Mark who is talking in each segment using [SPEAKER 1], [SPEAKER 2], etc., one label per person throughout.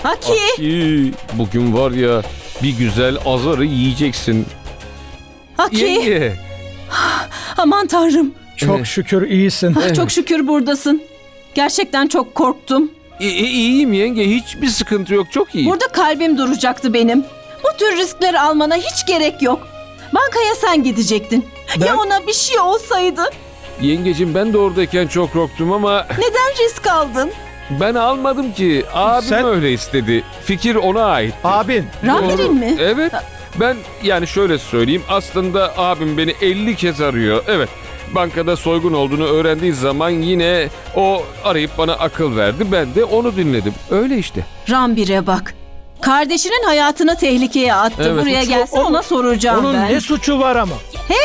[SPEAKER 1] Haki!
[SPEAKER 2] Haki, bugün var ya bir güzel azarı yiyeceksin.
[SPEAKER 1] Haki!
[SPEAKER 2] Yenge.
[SPEAKER 1] Aman tanrım.
[SPEAKER 3] Çok şükür iyisin.
[SPEAKER 1] Çok şükür buradasın. Gerçekten çok korktum.
[SPEAKER 2] İyiyim yenge, hiçbir sıkıntı yok, çok iyi.
[SPEAKER 1] Burada kalbim duracaktı benim. Bu tür riskler almana hiç gerek yok. Bankaya sen gidecektin.
[SPEAKER 3] Ben-
[SPEAKER 1] Ya ona bir şey olsaydı?
[SPEAKER 2] Yengecim, ben de oradayken çok korktum ama
[SPEAKER 1] Neden risk aldın?
[SPEAKER 2] ben almadım ki. Abim
[SPEAKER 3] Sen-
[SPEAKER 2] öyle istedi. Fikir ona ait.
[SPEAKER 3] Abin.
[SPEAKER 1] Rambir'in mi?
[SPEAKER 2] Evet. Ben yani şöyle söyleyeyim, aslında abim beni 50 kez arıyor. Evet. Bankada soygun olduğunu öğrendiği zaman yine o arayıp bana akıl verdi. Ben de onu dinledim. Öyle işte.
[SPEAKER 1] Rambir'e bak. Kardeşinin hayatını tehlikeye attı.
[SPEAKER 2] Evet.
[SPEAKER 1] Buraya gelse ona soracağım
[SPEAKER 3] Onun
[SPEAKER 1] ben.
[SPEAKER 3] ne suçu var ama?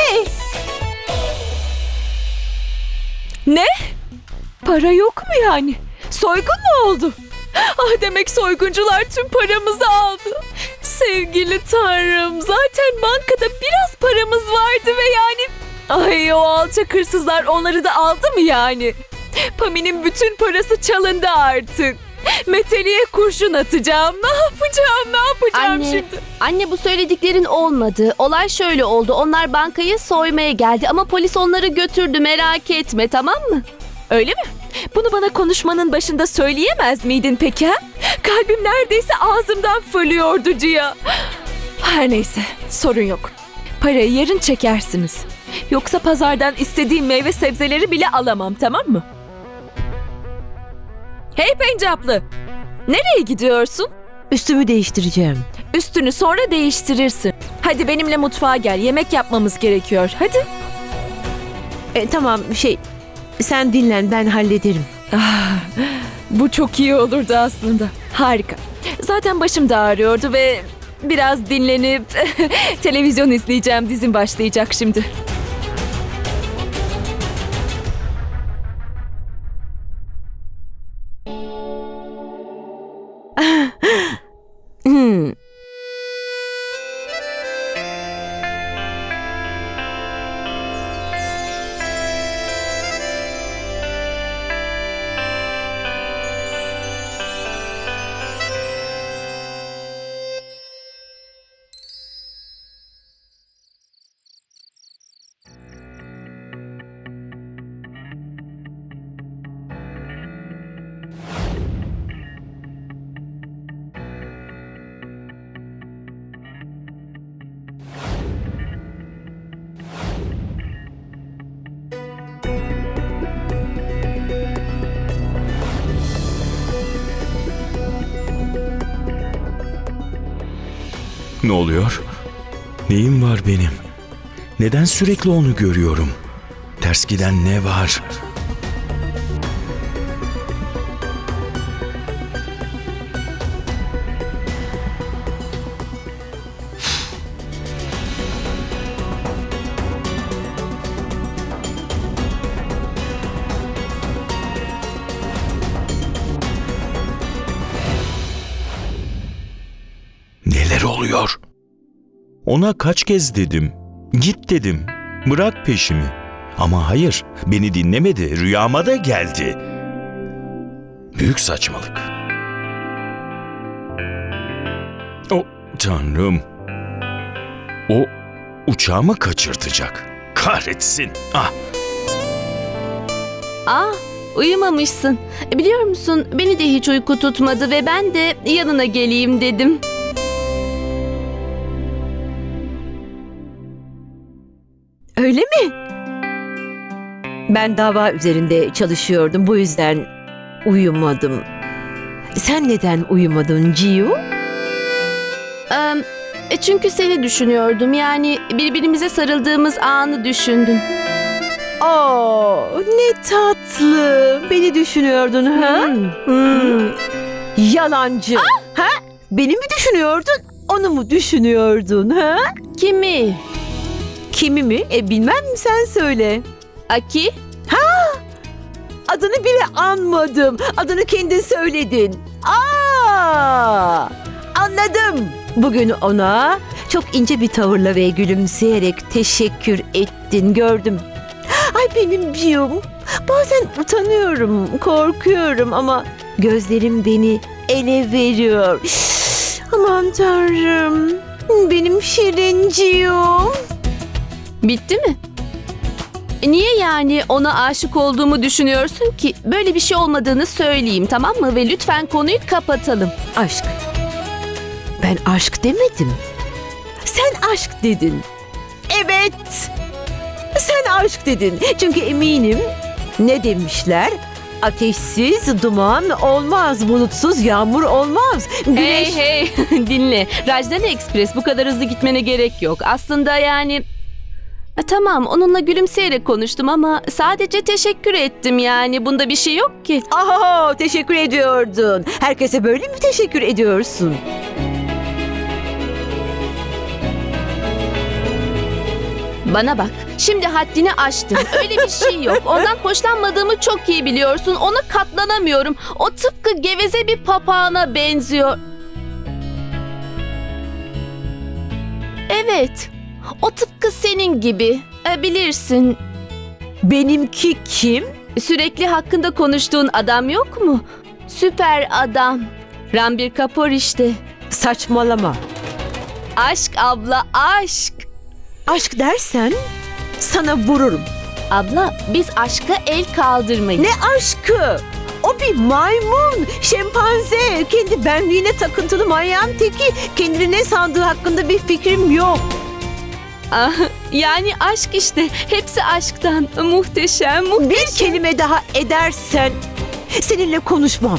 [SPEAKER 4] Ne? Para yok mu yani? Soygun mu oldu? Ah, demek soyguncular tüm paramızı aldı. Sevgili Tanrım, zaten bankada biraz paramız vardı ve yani... Ay, o alçak hırsızlar onları da aldı mı yani? Pami'nin bütün parası çalındı artık. Meteli'ye kurşun atacağım. Ne yapacağım şimdi?
[SPEAKER 5] Anne bu söylediklerin olmadı. Olay şöyle oldu. Onlar bankayı soymaya geldi ama polis onları götürdü. Merak etme, tamam mı?
[SPEAKER 4] Öyle mi? Bunu bana konuşmanın başında söyleyemez miydin peki ha? Kalbim neredeyse ağzımdan fırlıyordu Ciya. Her neyse, sorun yok. Parayı yarın çekersiniz. Yoksa pazardan istediğim meyve sebzeleri bile alamam, tamam mı? Hey Pencaplı! Nereye gidiyorsun?
[SPEAKER 6] Üstümü değiştireceğim.
[SPEAKER 4] Üstünü sonra değiştirirsin. Hadi benimle mutfağa gel, yemek yapmamız gerekiyor. Hadi.
[SPEAKER 6] Tamam sen dinlen, ben hallederim.
[SPEAKER 4] Bu çok iyi olurdu aslında. Harika. Zaten başım da ağrıyordu ve biraz dinlenip televizyon izleyeceğim. Dizim başlayacak şimdi.
[SPEAKER 6] Hmm.
[SPEAKER 7] Ne oluyor? Neyim var benim? Neden sürekli onu görüyorum? Ters giden ne var? Neler oluyor? Ona kaç kez dedim. Git dedim. Bırak peşimi. Ama hayır, beni dinlemedi. Rüyama da geldi. Büyük saçmalık. O Tanrım. O uçağımı kaçırtacak. Kahretsin. Ah.
[SPEAKER 5] Uyumamışsın. Biliyor musun, beni de hiç uyku tutmadı ve ben de yanına geleyim dedim.
[SPEAKER 6] Öyle mi? Ben dava üzerinde çalışıyordum, bu yüzden uyumadım. Sen neden uyumadın Ciu?
[SPEAKER 5] Çünkü seni düşünüyordum. Yani birbirimize sarıldığımız anı düşündüm.
[SPEAKER 6] Ne tatlı. Beni düşünüyordun ha? Yalancı. Ha? Beni mi düşünüyordun? Onu mu düşünüyordun ha?
[SPEAKER 5] Kimi?
[SPEAKER 6] Kimi mi? Bilmem, sen söyle.
[SPEAKER 5] Aki?
[SPEAKER 6] Adını bile anmadım. Adını kendin söyledin. Anladım. Bugün ona çok ince bir tavırla ve gülümseyerek teşekkür ettin, gördüm. Ay benim Cium. Bazen utanıyorum, korkuyorum ama gözlerim beni ele veriyor. Aman tanrım. Benim şirinciğim.
[SPEAKER 5] Bitti mi? Niye yani ona aşık olduğumu düşünüyorsun ki? Böyle bir şey olmadığını söyleyeyim, tamam mı? Ve lütfen konuyu kapatalım.
[SPEAKER 6] Aşk. Ben aşk demedim. Sen aşk dedin. Evet. Sen aşk dedin. Çünkü eminim ne demişler? Ateşsiz duman olmaz, bulutsuz yağmur olmaz. Güneş...
[SPEAKER 5] Hey dinle. Rajdani Express, bu kadar hızlı gitmene gerek yok. Aslında yani... Tamam, onunla gülümseyerek konuştum ama sadece teşekkür ettim yani. Bunda bir şey yok ki.
[SPEAKER 6] Aha, teşekkür ediyordun. Herkese böyle mi teşekkür ediyorsun?
[SPEAKER 5] Bana bak, şimdi haddini aştın. Öyle bir şey yok. Ondan hoşlanmadığımı çok iyi biliyorsun. Ona katlanamıyorum. O tıpkı geveze bir papağana benziyor. Evet, o tıpkı senin gibi. Bilirsin,
[SPEAKER 6] Benimki kim?
[SPEAKER 5] sürekli hakkında konuştuğun adam yok mu? Süper adam. Ranbir Kapoor işte.
[SPEAKER 6] Saçmalama.
[SPEAKER 5] Aşk abla, aşk.
[SPEAKER 6] Aşk dersen sana vururum.
[SPEAKER 5] Abla, biz aşka el kaldırmayız.
[SPEAKER 6] Ne aşkı? O bir maymun, şempanze, kendi benliğine takıntılı manyağın teki. Kendini ne sandığı hakkında bir fikrim yok.
[SPEAKER 5] Ah, yani aşk işte. Hepsi aşktan. Muhteşem, muhteşem.
[SPEAKER 6] Bir kelime daha edersen seninle konuşmam.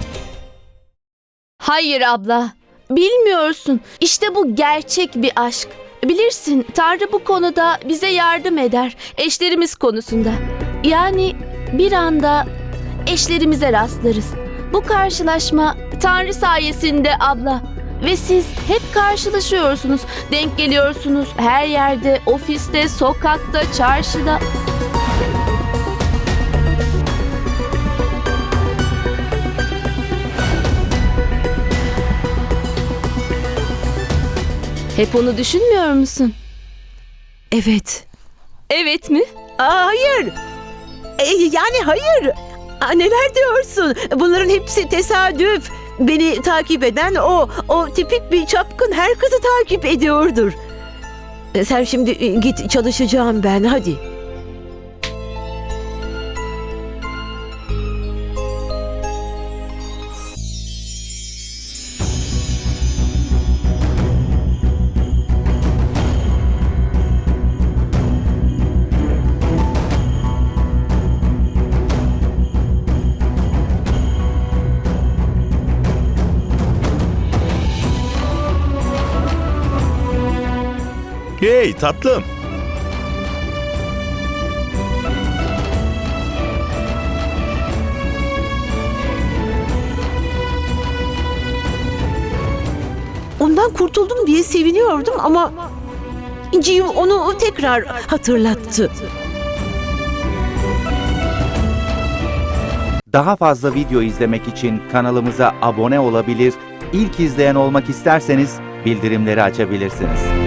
[SPEAKER 5] Hayır abla. Bilmiyorsun. İşte bu gerçek bir aşk. Bilirsin, Tanrı bu konuda bize yardım eder. Eşlerimiz konusunda. Yani bir anda eşlerimize rastlarız. Bu karşılaşma Tanrı sayesinde abla. Ve siz hep karşılaşıyorsunuz. Denk geliyorsunuz her yerde, ofiste, sokakta, çarşıda. Hep onu düşünmüyor musun?
[SPEAKER 6] Evet.
[SPEAKER 5] Evet mi?
[SPEAKER 6] Hayır. Yani hayır. Neler diyorsun? Bunların hepsi tesadüf. Beni takip eden o tipik bir çapkın her kızı takip ediyordur. Sen şimdi git, çalışacağım ben, hadi.
[SPEAKER 7] Hey tatlım.
[SPEAKER 6] Ondan kurtuldum diye seviniyordum ama Ciyum onu tekrar hatırlattı.
[SPEAKER 8] Daha fazla video izlemek için kanalımıza abone olabilir, ilk izleyen olmak isterseniz bildirimleri açabilirsiniz.